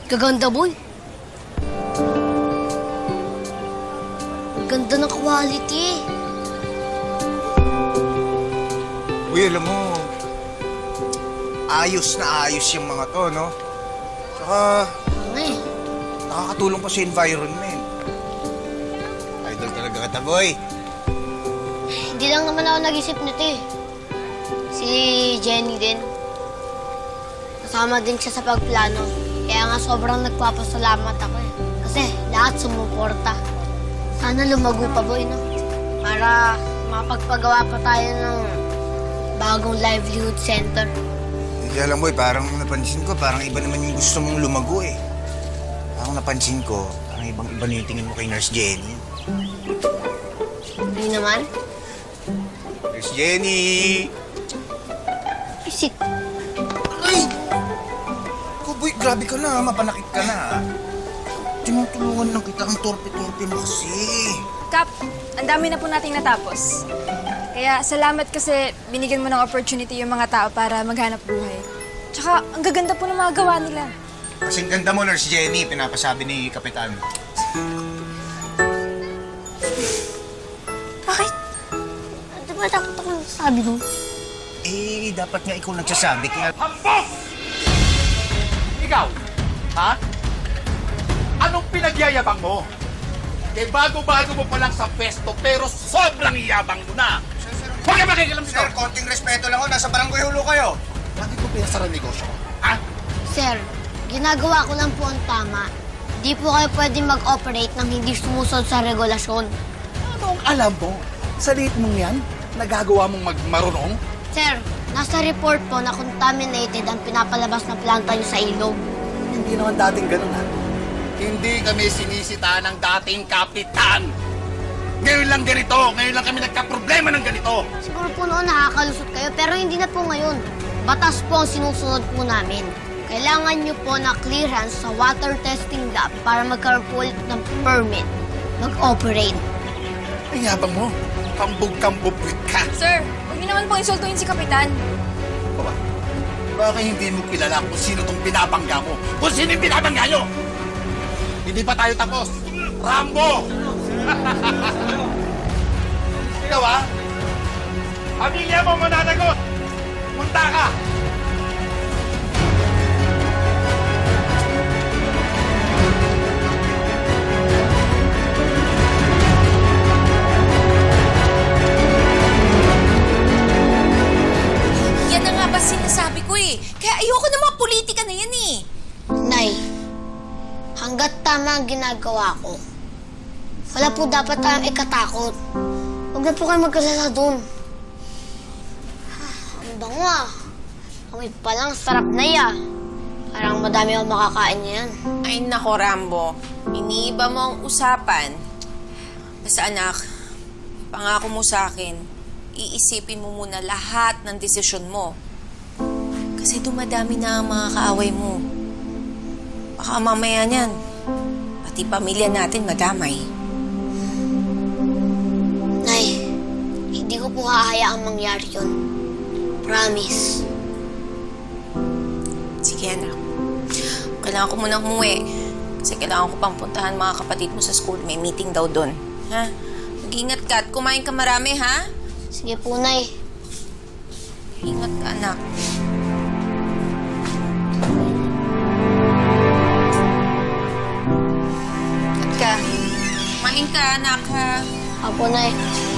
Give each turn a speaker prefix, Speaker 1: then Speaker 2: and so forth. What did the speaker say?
Speaker 1: Gaganda, boy. Ganda ng quality.
Speaker 2: Uy, alam mo, ayos na ayos yung mga to, no? Tsaka,
Speaker 1: Ano eh?
Speaker 2: nakakatulong pa sa environment. Idol talaga kita, boy.
Speaker 1: Hindi lang naman ako nag-isip nito eh. Si Jenny din. Kasama din siya sa pagplano. Kaya nga sobrang nagpapasalamat ako eh. Kasi lahat sumuporta. Sana lumago pa, boy, no? Para mapagpagawa pa tayo ng bagong livelihood center.
Speaker 2: Hindi alam, boy, parang napansin ko, parang iba naman yung gusto mong lumago eh. Parang napansin ko, parang ibang-iba na yung tingin mo kay Nurse Jenny.
Speaker 1: Hindi naman.
Speaker 2: Nurse Jenny!
Speaker 1: Isip.
Speaker 2: Ay! Ikaw, boy, grabe ka na, mapanakit ka na, ha? Tinutulungan lang kita ang torpe-torpe mo kasi.
Speaker 3: Kap, ang dami na po nating natapos. Kaya salamat kasi binigyan mo ng opportunity yung mga tao para maghanap buhay. Tsaka, ang gaganda po ng mga gawa nila.
Speaker 2: Kasing ganda mo, Nurse Jenny, pinapasabi ni Kapitan.
Speaker 1: Bakit? Di ba dapat ako nagsasabi nun?
Speaker 2: Eh, dapat nga ikaw nagsasabi, kaya...
Speaker 4: Hampos! Ikaw, ha? Anong pinagyayabang mo? Eh, bago-bago mo pa lang sa pesto, pero sobrang iyabang mo na. Huwag ka makikilam dito!
Speaker 2: Sir, konting respeto lang ho. Nasa barangay hulo kayo.
Speaker 4: Bakit mo pinasara negosyo ko? Ha?
Speaker 1: Sir, ginagawa ko lang po ang tama. Di po kayo pwede mag-operate nang hindi sumusunod sa regulasyon.
Speaker 4: Anong alam mo? Sa liit mong yan, nagagawa mong magmarunong?
Speaker 1: Sir, nasa report po na contaminated ang pinapalabas na planta niyo sa ilog.
Speaker 4: Hindi naman dating ganun, ha? Hindi kami sinisita ng dating kapitan. Ngayon lang ganito. Ngayon lang kami nagka-problema ng ganito.
Speaker 1: Siguro po noon nakakalusot kayo, pero hindi na po ngayon. Batas po ang sinusunod po namin. Kailangan niyo po na clearance sa water testing lab para magkaroon po ulit ng permit mag-operate.
Speaker 4: Ang yabang mo. Kambog-kambog ka.
Speaker 3: Sir, huwag niyo naman pong insultuhin si Kapitan.
Speaker 4: Baba, baka hindi mo kilala kung sino tong binabangga mo. Kung sino yung binabangga nyo. Hindi pa tayo tapos. Rambo! Ikaw, ha? Pamilya mo mananagot! Punta ka!
Speaker 5: Yan na nga ba sinasabi ko eh. Kaya ayoko na mga politika na yan eh.
Speaker 1: Nay, hanggat tama ang ginagawa ko, wala po dapat tayong ikatakot. Huwag na po kayo mag-alala dun. Ang bango ah. Amoy pa lang, sarap na ya. Parang madami akong makakain niyan.
Speaker 5: Ay nako, Rambo. Iniiba mo ang usapan. Basta anak, pangako mo sa akin, iisipin mo muna lahat ng desisyon mo. Kasi dumadami na ang mga kaaway mo. Baka mamaya niyan, pati pamilya natin madamay.
Speaker 1: Nay, hindi ko po hahayaang mangyari yun. Promise.
Speaker 5: Sige, anak. Kailangan ko munang umuwi. Kasi kailangan ko pang puntahan mga kapatid mo sa school. May meeting daw doon. Ha? Mag-ingat ka at kumain ka marami, ha?
Speaker 1: Sige po, Nay.
Speaker 5: Ingat ka, anak. Ingat ka. Kumain ka, anak, ha?
Speaker 1: Apo, Nay.